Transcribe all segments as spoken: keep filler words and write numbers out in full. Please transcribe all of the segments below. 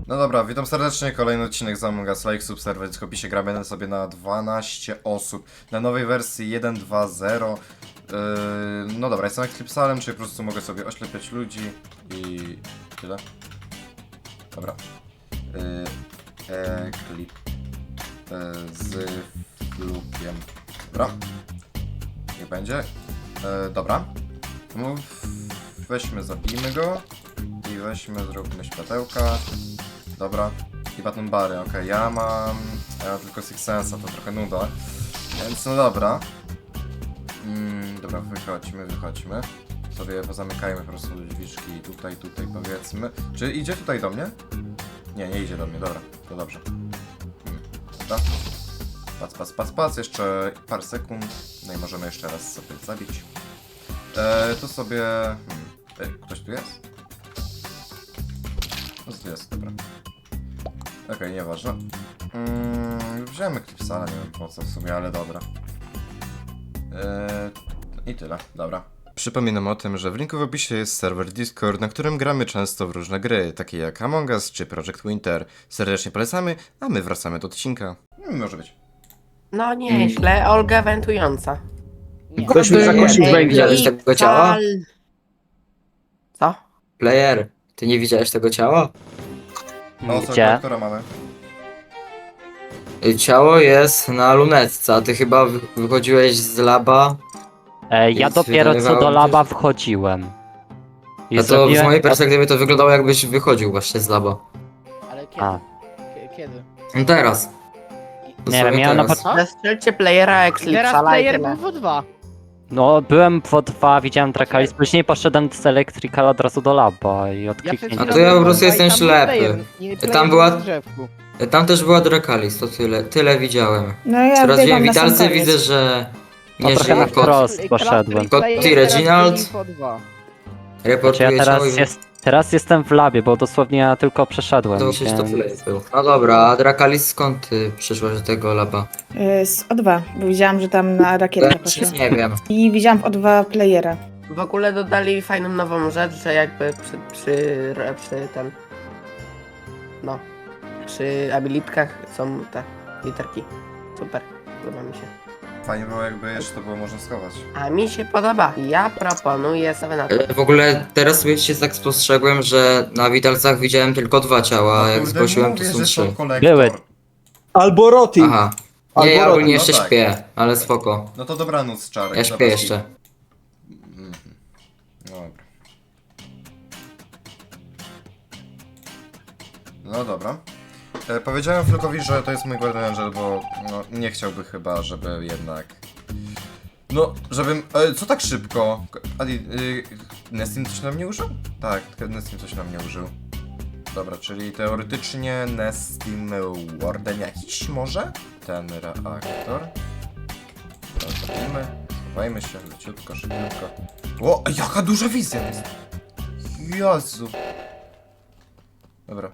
No dobra, witam serdecznie, kolejny odcinek z Among Us. Like, subserwer, w opisie gramy sobie na dwanaście osób. Na nowej wersji jeden dwa zero. Yy, no dobra, jestem Eclipsalem, czyli po prostu mogę sobie oślepiać ludzi i tyle. Dobra. Yy, Eclip yy, z flukiem. Dobra. Niech będzie. Yy, dobra. No, weźmy, zabijmy go. I weźmy, zróbmy światełka. Dobra. I button bary, okej, okay. Ja mam... Ja mam tylko Six Sense'a, to trochę nuda. Więc no dobra. Mm, dobra, wychodźmy, wychodźmy. Sobie pozamykajmy po prostu drzwiczki tutaj, tutaj powiedzmy. Czy idzie tutaj do mnie? Nie, nie idzie do mnie, dobra, to dobrze. Hmm. Dobra. Pac, pac, pac, pac, jeszcze parę sekund. No i możemy jeszcze raz sobie zabić. Eee, tu sobie... Hmm. Ej, ktoś tu jest? No to jest, dobra. Okej, okay, nieważne. Mm, wziąłem Eclipsala, nie wiem po co w sumie, ale dobra. Eee, I tyle, dobra. Przypominam o tym, że w linku w opisie jest serwer Discord, na którym gramy często w różne gry, takie jak Among Us czy Project Winter. Serdecznie polecamy, a my wracamy do odcinka. Hmm, może być. No nieźle, Olga wentująca. Nie. Ktoś mi zakosił Ej, węgiel. widziałeś tego ciała? Co? Player, ty nie widziałeś tego ciała? O, co, Gdzie? która mamy? Y, Ciało jest na lunetce, a ty chyba wy- wychodziłeś z laba. E, ja Więc dopiero co wydawało do mi się, laba że- wchodziłem. I No to zrobiłem... z mojej perspektywy to wyglądało jakbyś wychodził właśnie z laba. Ale kiedy? A, K- Kiedy? No teraz. nie Dosłownie wiem, miałem na teraz. początku... Zastrzelcie playera Teraz Eclipsala i player tyle. był w dwa. No, byłem w O dwa, widziałem Drakalis, później poszedłem z Electrical od razu do laba i Ja przed odkliknięcie. A chwilą to ja po byłem prostu w dwa i jestem tam był ślepy. player. Nie, player Tam był była- na drzewku. Tam też była Drakalis, to tyle, tyle widziałem. No ja Teraz biegam wiem, na sam witalcy koniec. widzę, że To nie trochę żyje na kot. wprost Cluster poszedłem. Kot player i teraz Reginald. byli w dwa. Znaczy ja Reportuje ciało teraz, i jest, teraz jestem w labie, bo dosłownie ja tylko przeszedłem. to się to więc- player był. No dobra, a Drakalis skąd ty przyszłaś do tego laba? Y, Z O dwa, bo widziałam, że tam na rakietę Ja poszła. nie wiem. I widziałam w O dwa playera. W ogóle dodali fajną nową rzecz, że jakby przy, przy, przy ten... No. Przy abilitkach są te literki. Super, podoba mi się. Fajnie było, jakby jeszcze to było można schować. A mi się podoba. Ja proponuję sobie na to. E, W ogóle teraz sobie się tak spostrzegłem, że na witalcach widziałem tylko dwa ciała, a jak kurde, zgłosiłem to mówię, są że trzy. kolektor. Były. Albo Roti. Aha. Albo Nie, ja Roti, ogólnie no jeszcze tak. śpię, ale spoko. No to dobranoc, Czarek. Ja dobra, śpię jeszcze. Mhm. Dobra. No dobra. E, powiedziałem Flukowi, że to jest mój Guardian Angel, bo no, nie chciałby chyba, żeby jednak... No, żebym... E, co tak szybko? Adi, y, Nestin coś nam nie użył? Tak, tylko Nestin coś nam nie użył. Dobra, czyli teoretycznie Nestin Warden jakiś może? Ten reaktor. Zrobimy. Schowajmy się, leciutko, szybciutko. O, jaka duża wizja jest! Jezu. Dobra.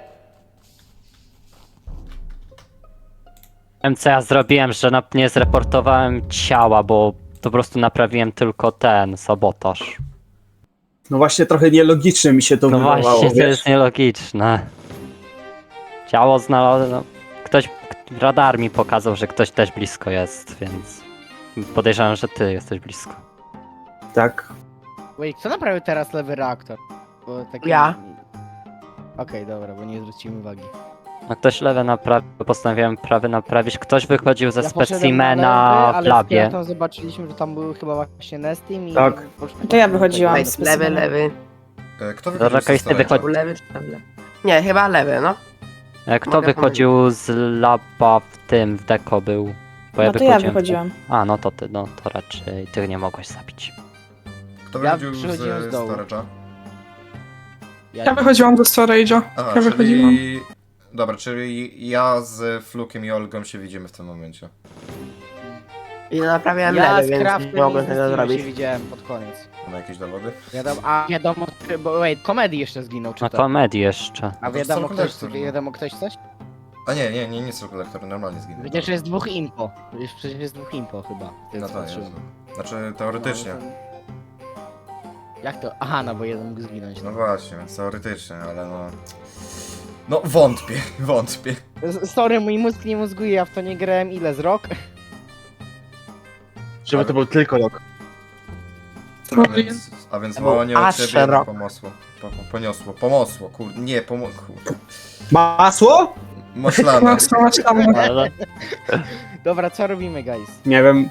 Wiem co ja zrobiłem, że na, nie zreportowałem ciała, bo po prostu naprawiłem tylko ten sabotaż. No właśnie trochę nielogicznie mi się to No wydawało, właśnie, to wiesz. jest nielogiczne. Ciało znalazłem. No, ktoś. Radar mi pokazał, że ktoś też blisko jest, więc. Podejrzewam, że ty jesteś blisko. Tak. Wait, kto naprawił teraz lewy reaktor? Bo taki... Ja. Okej, dobra, bo nie zwróciłem uwagi. No ktoś lewy naprawił, postanowiłem prawy naprawić. Ktoś wychodził ze Ja poszedłem na specimena lewy, w ale labie. z zobaczyliśmy, że tam był chyba właśnie Nestim i... Tak. poszliśmy- To ja wychodziłam. Wait, lewy, lewy. E, kto Dobra, wychodził z Kajsty storage'a? wychodzi- Był lewy czy tam lewy? Nie, chyba lewy, no. E, Kto Mogę wychodził z laba w tym, w deko był? Bo No to ja wychodziłem. wychodziłam. A, no to ty, no to raczej ty nie mogłeś zabić. Kto Ja wychodził przychodziłem z z dołu. storage'a? Ja wychodziłam do storage'a. Aha, Ja wychodziłam. czyli... Dobra, czyli ja z Flukiem i Olgą się widzimy w tym momencie. I naprawiałem Ja lewy, z więc Craftem nie mogłem i z tego Nestimem zrobić. się widziałem pod koniec. Mamy jakieś dowody? Wiadomo, a wiadomo, bo wait, komedii jeszcze zginął, czy Na to? komedii jeszcze. A No to wiadomo są ktoś, kolektor, no. wiadomo ktoś coś? A nie, nie, nie, nie są kolektory, normalnie zginęły. Przecież jest dwóch impo. Już przecież jest dwóch impo chyba. No co to jest. patrzyłem. Znaczy, teoretycznie. No, to- Jak to? Aha, no bo jeden mógł zginąć. No właśnie, więc teoretycznie, ale no... No wątpię, wątpię. S- Sorry, mój mózg nie mózguje, ja w to nie grałem ile z rok? Żeby to był tylko rok. A więc, a więc To był wołanie od aż ciebie szeroko. pomosło. Po, po, poniosło, pomosło, kurde, nie, pomo... Kurde. Masło? Maślane. Masło, maślane. Ale Dobra, co robimy, guys? Nie wiem.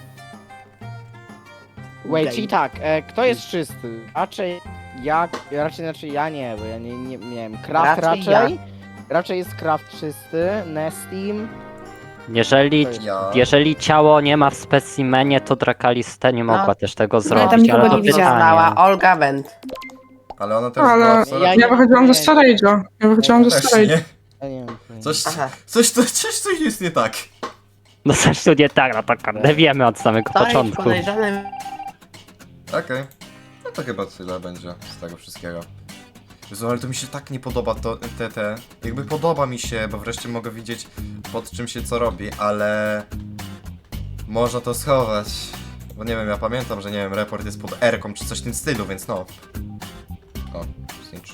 Wait, czyli tak, e, kto jest czysty? Raczej ja, raczej znaczy ja nie, bo ja nie, nie miałem. Craft Raczej raczej. Raczej jest Craft czysty, Nestim. jeżeli, Ja... jeżeli ciało nie ma w specimenie, to Drakaliste nie mogła No. też tego tam zrobić, nikogo ale to nie widziałam. Została pytanie. Olga Wendt. Ale ona też Ale była w Sorage'ie. ja Ja wychodziłam ze Storage'a. Ja wychodziłam ze Też Storage'a. nie. Ja nie wiem. Coś, Aha. coś, coś, coś, coś jest nie tak. No zresztą nie tak, no to kurde, wiemy od samego To jest początku. podejrzany. Okej. No to chyba tyle będzie z tego wszystkiego. Jezu, ale to mi się tak nie podoba to, te, te... Jakby podoba mi się, bo wreszcie mogę widzieć pod czym się co robi, ale... Można to schować. Bo nie wiem, ja pamiętam, że nie wiem, report jest pod R-ką czy coś w tym stylu, więc no. O, snitch.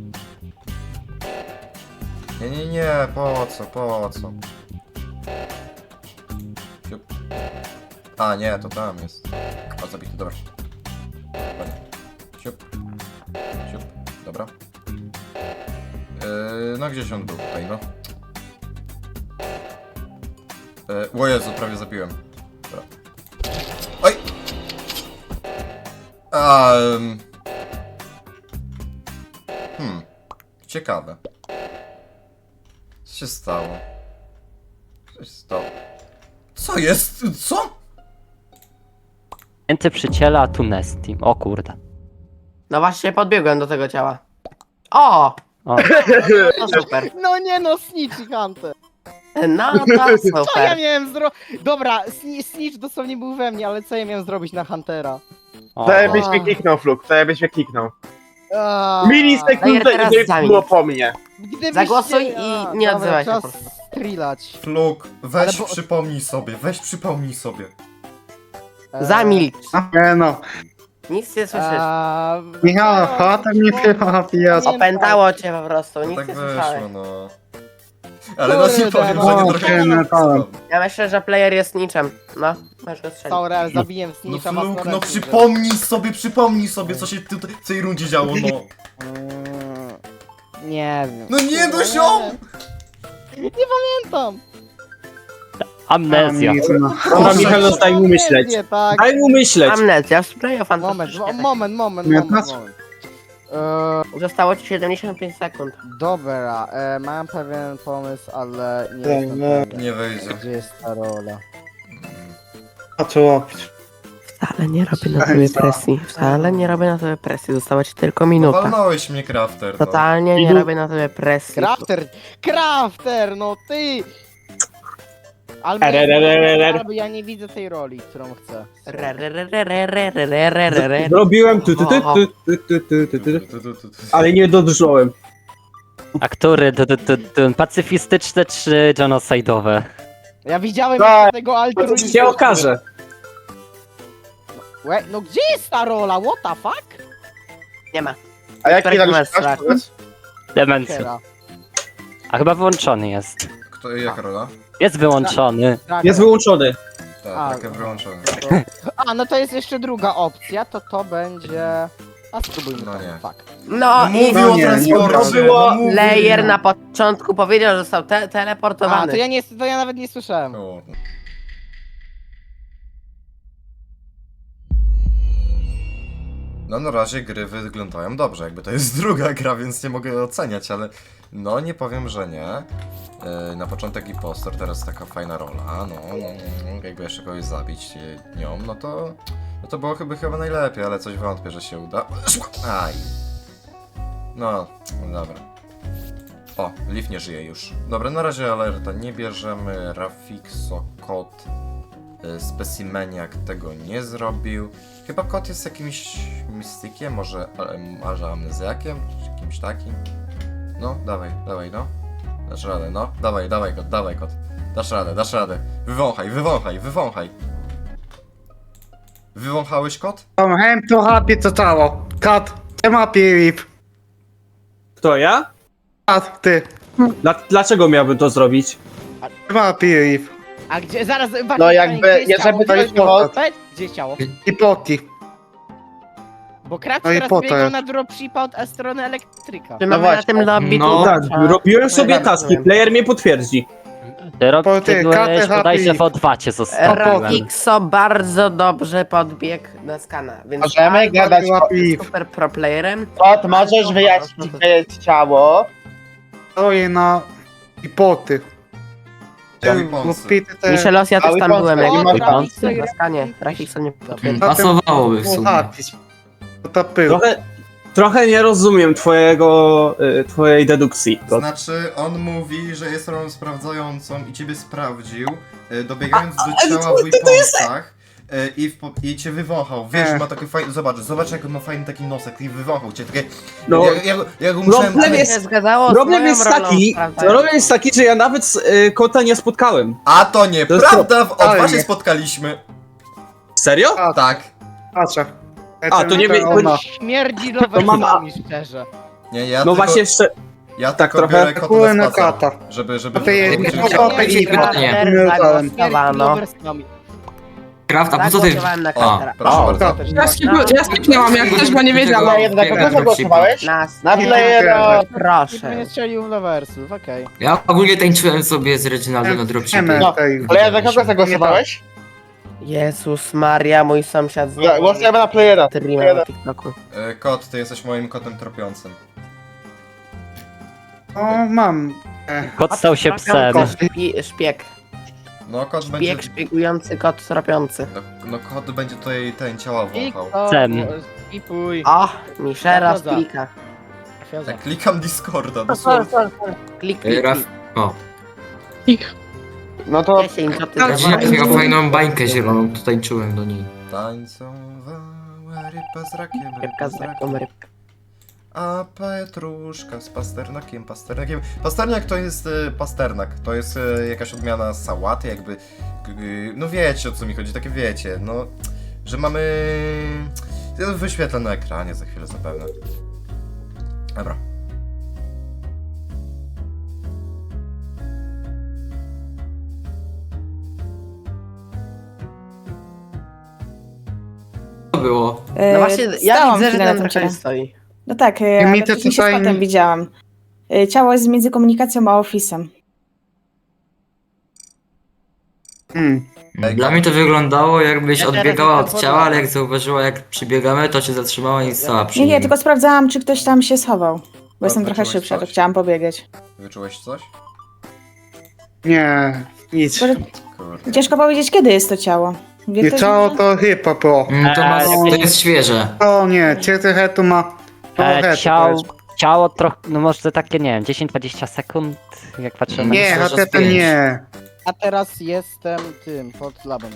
Nie, nie, nie, po co, po co? Siup. A, nie, to tam jest. O, zabity, dobra. Ładnie. Siup. Siup. Dobra. Yy, no gdzieś on był tutaj, no. Yy, o Jezu, prawie zabiłem. Dobra. Oj! Um. Hmm. Ciekawe. Co się stało? Co się stało? Co jest? Co? Mięty przy ciele, a tu Nestim. O kurde. No właśnie podbiegłem do tego ciała. O! O, No super. No nie no, Snitch i Hunter. No to Co ja super. miałem zrobić? Dobra, Sni- Snitch dosłownie był we mnie, ale co ja miałem zrobić na Huntera? o, To o. byś mnie kliknął, Fluk, to byś mnie kliknął. Aaaa. Milisekundę teraz i to zamień. było po mnie. Gdybyście- Zagłosuj i A, nie dobra, odzywaj się czas po prostu. strzelać. Fluk, weź Ale bo- przypomnij sobie, weź przypomnij sobie. Eee, Zamilcz. Nie no. Nic nie słyszysz. eee, Michał, no, chota mi chyba pijać. nie- Opętało cię po prostu, No nic tak nie słyszałeś. wyszło, no. Ale no nie Kurde, powiem, no. że nie Okej, trochę... no to- Ja myślę, że player jest niczym. No, możesz go strzelić. Sorry, ale zabiję No Snitcha Fluk, Masmorem, no że- przypomnij sobie, przypomnij sobie, co się tutaj w tej rundzie działo, no. Mm, Nie wiem. No nie, no Nie ziom! wiem. Nie pamiętam. Amnezja. Dobra, Michał, daj mu myśleć. Nie, tak. Daj mu myśleć. Amnezja, spray of Moment, fantastyczne. mo- moment, moment, Nie, moment, patrz. moment. Eee, Zostało ci siedemdziesiąt pięć sekund. dobra, e, mam pewien pomysł, ale nie Tak, jestem no. pewien. Nie wyjdzie. Gdzie jest ta rola? A co robić? Wcale nie robię na tobie presji. Wcale nie robię na tobie presji. Została ci tylko minuta. Walnąłeś mnie, Crafter, no. Totalnie nie robię na tobie presji. Crafter! Crafter, no ty! Albo, Erererererere. albo ja nie widzę tej roli, którą chcę. Re, re, re, re, re, re, re, re, re, re, re. Zrobiłem tu, tu, tu, tu, tu, tu, tu, tu, tu, Tu, tu, tu, tu. ale nie dodrżałem. A który? D- d- d- d- Pacyfistyczne czy genocidowe? Ja widziałem Tak. jeszcze tego To altruizmu. się okaże. Łe, no gdzie jest ta rola? What the fuck? Nie ma. A jaki Którego robisz masz masz, strach? powiedz? Demencja. Kiera. A chyba wyłączony jest. Kto, jaka rola? Jest wyłączony. Tak. Jest wyłączony. Tak, A. takie wyłączone. A, no to jest jeszcze druga opcja, to to będzie... A spróbujmy No to. nie. Tak. No i Mówił no o nie, transporcie, to było- no mówił. player na początku powiedział, że został te A, teleportowany. to ja, nie, to ja nawet nie słyszałem. O. No na razie gry wyglądają dobrze, jakby to jest druga gra, więc nie mogę oceniać, ale no nie powiem, że nie. Yy, na początek impostor, teraz taka fajna rola, no, no, no jakby jeszcze kogoś zabić yy, nią, no to no to było chyba, chyba najlepiej, ale coś wątpię, że się uda. Aj. No, dobra. O, Leaf nie żyje już. Dobra, na razie alerta nie bierzemy. Rafixo, kot, y, Specimeniak tego nie zrobił. Chyba kot jest jakimś mistykiem, może, ale, może amnezjakiem, czy kimś takim. No, dawaj, dawaj, no. Dasz radę, no. Dawaj, dawaj kot, dawaj kot. Dasz radę, dasz radę. Wywąchaj, wywąchaj, wywąchaj. Wywąchałeś kot? I'm too happy to cało. Kat, I'm happy with. Kto ja? Kat, ty. Dla, dlaczego miałbym to zrobić? Chyba Piv. A gdzie, zaraz, właśnie, No jakby, gdzie jest jeżeli ciało? to jest Gdzie jest ciało- Powiedz, Gdzie jest ciało? I poti. Bo Kraft No i teraz po to biegał jest. na dropshipa od strony elektryka. Czy No mamy na właśnie. tym lobby No. tu Tak, trzeba- robiłem sobie Ja taski, rozumiem. player mnie potwierdzi. Ty, rob, Po ty ty, byłeś K T H bodajże P. w O dwa cię zostawiłem. Rafixo bardzo dobrze podbiegł na skana, więc Możemy albo gadać był o piw. super pro playerem. Kot, możesz wyjaśnić, gdzie jest ciało? Stoję na... I poty. Ciało i Bo ponsy. pity te... Michelos, ja też Ale tam pan byłem, stoi, jak ma był pan. Rafixo na skanie. Rafixo nie potwierdzi. Pasowałoby w sumie. Zapis. To pył. Trochę, trochę nie rozumiem twojego, y, twojej dedukcji. To, Znaczy, on mówi, że jest rolą sprawdzającą i ciebie sprawdził, y, dobiegając do ciała w weaponsach y, i, w, po- i cię wywąchał. Wiesz, Nie. ma taki fajny, zobacz, zobacz jak on ma fajny taki nosek i wywąchał cię, takie... No, ja, ja, ja go musiałem... problem Ale jest- się zgadzało z problem moją jest rolą taki, sprawdzającą. problem jest taki, że ja nawet y, kota nie spotkałem. A to To jest nieprawda, w O dwa Ale się nie. spotkaliśmy. Serio? A, Tak. patrzę. A, to nie wie- to- Ona. Śmierdzi To mam- lowersami, szczerze. Nie, ja No tylko, właśnie, jeszcze, ja tak tylko trochę. biorę kota Kuły na na spacer, kata. żeby, żeby... A ty jest- żeby- to- żeby- to- Śmierdzi pytanie. Krater Nie, Śmierdzi zagłosowano. lowersami. Kraft, a po co ty... Zagłosowałem na A, Kratera. Proszę O, bardzo. tak. Ja, skip, ja skipnęłam, jak ktoś, bo nie wiedziałam. Jednak kogo zagłosowałeś? Nas. Na Nie, playera. Nikt mnie Proszę. nie strzelił w lowersów, okej. Ja ogólnie tańczyłem sobie z Reginaldem na dropshipie. No, ale ja za kogo zagłosowałeś? Jezus Maria, mój sąsiad z Głosujemy na playera. streama na TikToku. E, Kot, ty jesteś moim kotem tropiącym. O, mam. Kot stał się psem. Szpi- Szpieg. No, kot będzie... Szpieg szpiegujący, kot tropiący. No, no kot będzie tutaj ten ciała wąchał. Cem. Skipuj. O, Michera z Zachodzę. klika. Fioza. Tak, klikam Discorda, dosłownie. Klik, Ej, klik, Raf... klik. O, Ich. No to... Dziesięć, co ty Reginald zrobiłeś? miał fajną bańkę zieloną, to tańczyłem do niej. Tańcowała ryba z rakiem, Rybka ryba z z taką rakiem. rybką. A Petruszka z pasternakiem, pasternakiem. Pasternak to jest y, pasternak, to jest y, jakaś odmiana sałaty, jakby. Y, no wiecie o co mi chodzi, takie wiecie, no. Że mamy. Ja wyświetlę na ekranie za chwilę zapewne. Dobra. To było. No właśnie, ja Stałam widzę, że chwilę na ten tym ciele. trochę stoi. No tak, e, I mi ale to wcześniej się tutaj z potem nie- widziałam. E, Ciało jest między komunikacją a ofisem. Hmm. Dla mnie to wyglądało jakbyś Ja teraz odbiegała jestem od ciała, ale podobny. jak zauważyła jak przybiegamy, to się zatrzymała i stała przy Nie, nie, nim. tylko sprawdzałam, czy ktoś tam się schował. Bo jestem trochę wyczułeś szybsza, to coś? chciałam pobiegać. Wyczułeś coś? Nie, nic. Może Kurde. ciężko powiedzieć, kiedy jest to ciało. Wie I ktoś ciało może? to chyba było. Mm, To, ma, Eee, to jest świeże. O nie, ciety hetu ma... To E, hetu ciało, to ciało trochę, no może takie, nie wiem, dziesięć dwadzieścia sekund, jak patrzę jest. na... Nie, Myślę, że hetu to z pięć. nie. A teraz jestem tym, pod labem.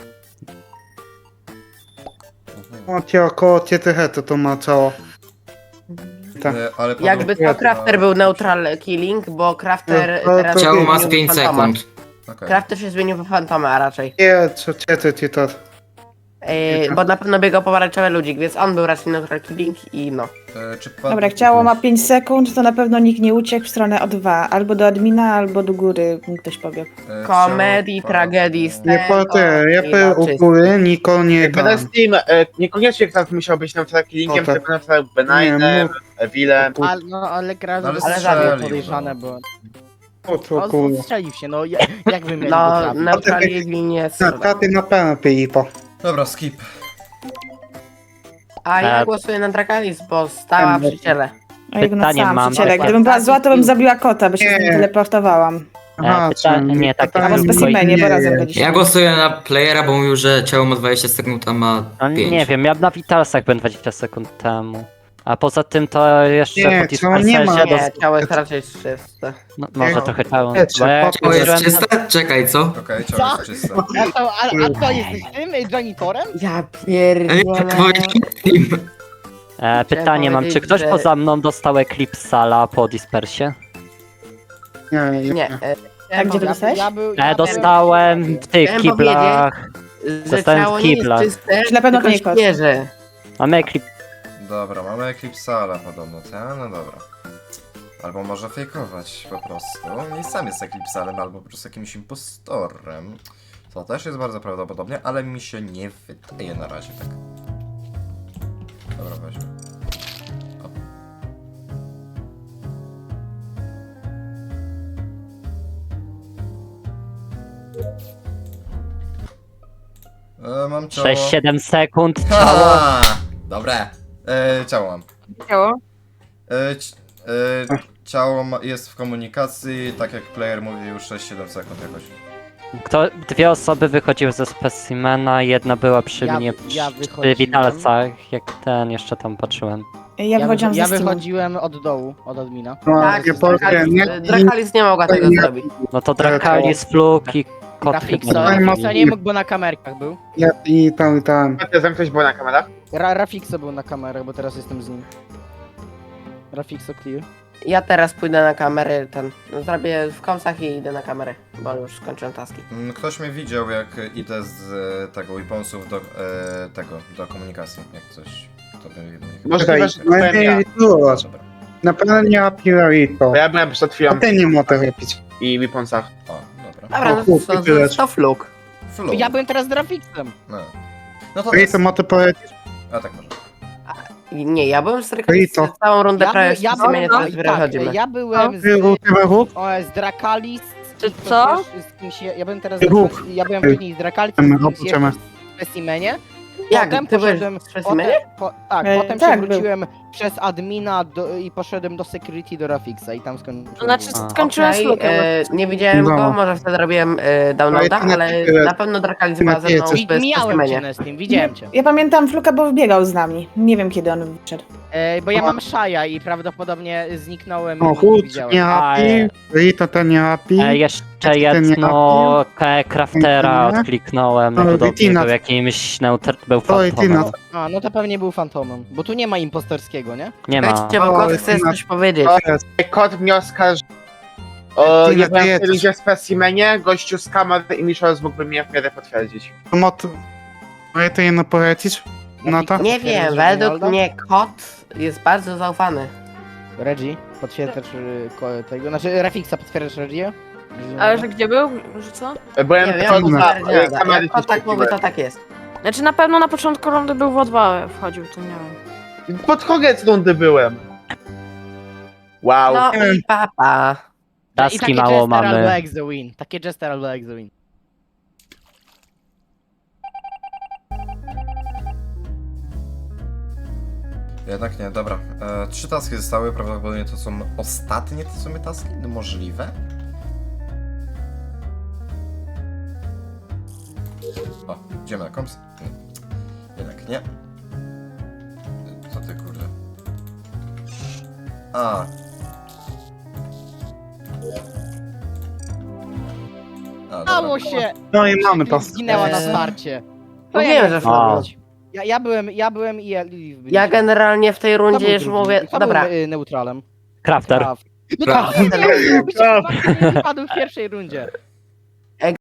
Mhm. O, cię około ciety hetu to ma ciało. Tak. E, ale Jakby podobno- to Crafter był neutral killing, bo Crafter No, to- teraz to- się Ciało ma z zmienił w pięć fantoma. sekund. Okej. Crafter się zmienił w fantoma, a raczej. Nie, co ciety ci to... Yy, bo na pewno biegał pomarańczowy ludzik, więc on był raczej neutral killing i no. E, czy pan... Dobra, jak ciało ma pięć sekund, to na pewno nikt nie uciekł w stronę O dwa. Albo do admina, albo do góry ktoś pobiegł. e, Komedii, ciało- tragedii, z Nie po tego te, ja i pe na u czysto. góry, nikogo nie Jakby dam. na Steam, e, niekoniecznie ktoś musiał być na przykład killingiem, O, tak. tylko na przykład Nie, Benignem, Evilem. Ale, no, ale Kraft Ale ale strzelił, zabił no. podejrzane, bo... O, co On kurwa. strzelił się, no ja- jak wy mieli No, go trafić? neutral killing nie jest. Na katy na pewno pipo. Dobra, skip. A ja E, głosuję na Drakalis, bo stała przy ciele. A jak Pytanie na sam mam. przy ciele. Gdybym była zła, to bym zabiła kota, bo się z nim Nie. teleportowałam. E, pyta- nie, takie Albo tylko- specimenie, bo razem byliśmy. Ja głosuję na playera, bo mówił, że ciało ma dwadzieścia sekund, a ma No, pięć. nie wiem, ja na Vitalsach byłem dwadzieścia sekund temu. A poza tym to jeszcze Nie, po ciało nie ma. Dispersie Nie, ciało jest raczej czyste. No, może Nie. trochę ciało. Nie, Bo ja Ciało jest użyłem- czyste? Czekaj, co? Okej, ciało Co? jest czyste. A to, a, a to jesteś tym, y, janitorem? Ja Ej, pierdolę. tak powiedziałem. E, pytanie mam, czy powiedzieć, ktoś że- poza mną dostał Eclipsala po Dispersie? Nie, nie. Nie. e, A gdzie to Ja, dostałeś? ja był, E, ja dostałem w tych Chciałem kiblach. Że Dostałem ciało w nie jest kiblach. czyste, Czy na pewno to tylko nie kot? świeże. Mamy Eclipse. Dobra, mamy Eclipsala podobno, tak? No dobra. Albo może fejkować po prostu. I sam jest Eclipsalem, albo po prostu jakimś impostorem. To też jest bardzo prawdopodobne, ale mi się nie wydaje na razie tak. Dobra, weźmy. O. E, mam ciało. sześć siedem sekund, ciało. Ha! Dobre. E, ciało mam. Ciało? E, ci- e, ciało ma, jest w komunikacji, tak jak player mówił, sześć siedem sekund jakoś. Kto, dwie osoby wychodziły ze specimena, jedna była przy Ja- mnie ja przy wychodziłem. witalcach, jak ten jeszcze tam patrzyłem. Ja wychodziłam wy- ja ze Steamu. wychodziłem od dołu, od admina. No, Tak, nie powiem, Drakalis, nie, Drakalis nie mogła tego nie- zrobić. No to Drakalis, Fluk i kot Rafikso, chyba. Rafik- Rafikso nie mógł, bo na kamerkach był. ja, i tam, i tam. Tam ktoś był na kamerach? Ra Rafikso był na kamerach, bo teraz jestem z nim. Rafikso clear. Ja teraz pójdę na kamery, ten, no, zrobię w komsach i idę na kamery, bo już skończyłem taski. Mm, Ktoś mnie widział, jak idę z e, tego weaponsów do e, tego, do komunikacji, jak coś. To by mnie Możliwe, że to no byłem nie ja. widziałaś. Dobra. Na pewno nie Apirito. Bo ja byłem przed chwilą A ty nie możesz robić. i w Weaponsach. O, dobra. Dobra, O, no chłopie, to, to, tyle. to fluk. Flow. Ja byłem teraz z Rafiksem. No. No to Rito, jest. może powiedzieć? A tak może. I Nie, ja byłem z Drakalis Rito. całą rundę Ja, prawie by, ja, w sumie byłem, teraz tak, wychodzimy. ja byłem z, Ty, ty, ruch? o, z Drakalis. Czy z- co? Z kimś, ja byłem teraz Ruch. ja byłem później z Drakalis, Chcemy, z kimś opuszczamy. jeszcze w specimenie. Jak, Potem ty byłeś poszedłem, w specimenie? potem, po, tak, E, potem tak, się był. wróciłem przez admina do, i poszedłem do security do Rafixa i tam skończyłem. To znaczy A. skończyłem Okej, z Lukiem. e, nie widziałem Dobra. go, może wtedy robiłem e, downloada, Ale ty na ale tyle- na pewno Drakalis ty na była ze tyle mną coś- w Miałem cię specimenie. na Steam, widziałem cię. Ja pamiętam Fluka, bo wybiegał z nami. Nie wiem, kiedy on wyszedł. E, bo ja O. mam Shaja i prawdopodobnie zniknąłem O, i chód, widziałem. nie happy. Rito, to nie happy. E, jeszcze ten jedno K- Craftera Nie? odkliknąłem, No, podobnie Vitina. był jakimś neutr... był Oj, fantomem. Tina. A, no to pewnie był fantomem, bo tu nie ma impostorskiego, nie? Nie ma. Wejdźcie, bo O, kot jest chce na- coś powiedzieć. O, Kot mnie oskarży. O, Ty ja byłem najedziesz. w ludzie w specimenie, gościu z kamer i Michels mógłby mnie w miarę potwierdzić. To mo- Rito, jedno powiedzieć? No to? Nie wiem, według mnie kot jest bardzo zaufany. Reggie, potwierdzasz y, ko- tego, znaczy Rafixa potwierdzasz Reggie? Ale że gdzie był? Że co? Byłem Nie wiem, pod trudno. za jak e, kamery kot tak mówi, to tak jest. Znaczy na pewno na początku rundy był w O dwa wchodził, to nie wiem. Pod koniec rundy byłem. Wow. No i papa. I Taski takie mało Jester albo mamy. Exo Win, takie Jester albo Exo Win. Jednak nie, dobra. E, trzy taski zostały, prawdopodobnie to są ostatnie te w sumie taski? No możliwe? O, idziemy na komps? Nie. Jednak nie. Co ty kurde? A. A, Stało dobra. się! No i mamy to. Zginęła na Eee. starcie. Mówiłem, że A. fluk. Ja, ja byłem, ja byłem i Elif byliśmy. Ja generalnie w tej Kto rundzie był już drugi? mówię, Kto dobra. był, y, neutralem? Crafter. Kraft. No Kraft. tak, wypadł w pierwszej rundzie.